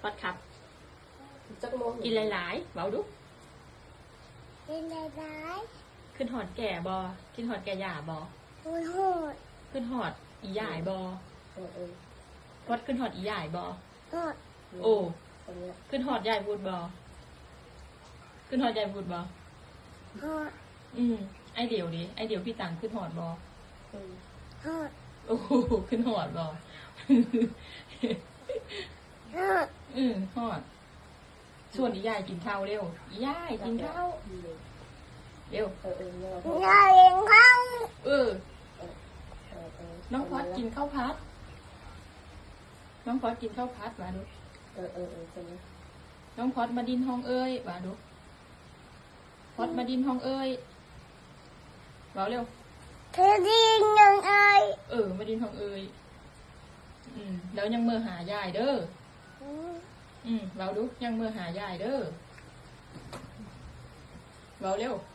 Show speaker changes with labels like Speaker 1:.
Speaker 1: พอดครับ
Speaker 2: จักโมง
Speaker 1: กินหลายๆเบาดุ
Speaker 3: กินได้ไร
Speaker 1: ขึ้นหอดแก่บอกินหอดแก่หย่าบอ
Speaker 3: โหดโหด
Speaker 1: ขึ้นหอดอีหย่ายบอ
Speaker 2: เออ
Speaker 1: พอดขึ้นหอดอีหย่ายบอ
Speaker 3: โหด
Speaker 1: โอ้
Speaker 2: ตรงเนี้ย
Speaker 1: ขึ้นหอดยายบูดบอขึ้นหอดยายบูดบอ
Speaker 3: โหด
Speaker 1: ไอเดียวดิไอเดียวพี่ตังขึ้นหอดบอ
Speaker 3: โหด
Speaker 1: โอ้โหขึ้นหอดบอ
Speaker 3: โหด
Speaker 1: หอดส่วนอีหย่ายกินข้าวเร็วอีหย่ายกินข้าวเร็ว
Speaker 3: อยากกินข้าว
Speaker 1: น้องพอดกินข้าวพัดน้องพอดกินข้าวพัดมาดู
Speaker 2: ตรงนี้
Speaker 1: น้องพอดมาดินห้องเอ้ยมาดูพอดมาดินห้องเอ้ยเบาเร็ว
Speaker 3: เธอดียังไง
Speaker 1: มาดินห้องเอ้ยแล้วยังเมื่อหายายเด้อเบาดูยังเมื่อหายายเด้อเบาเร็ว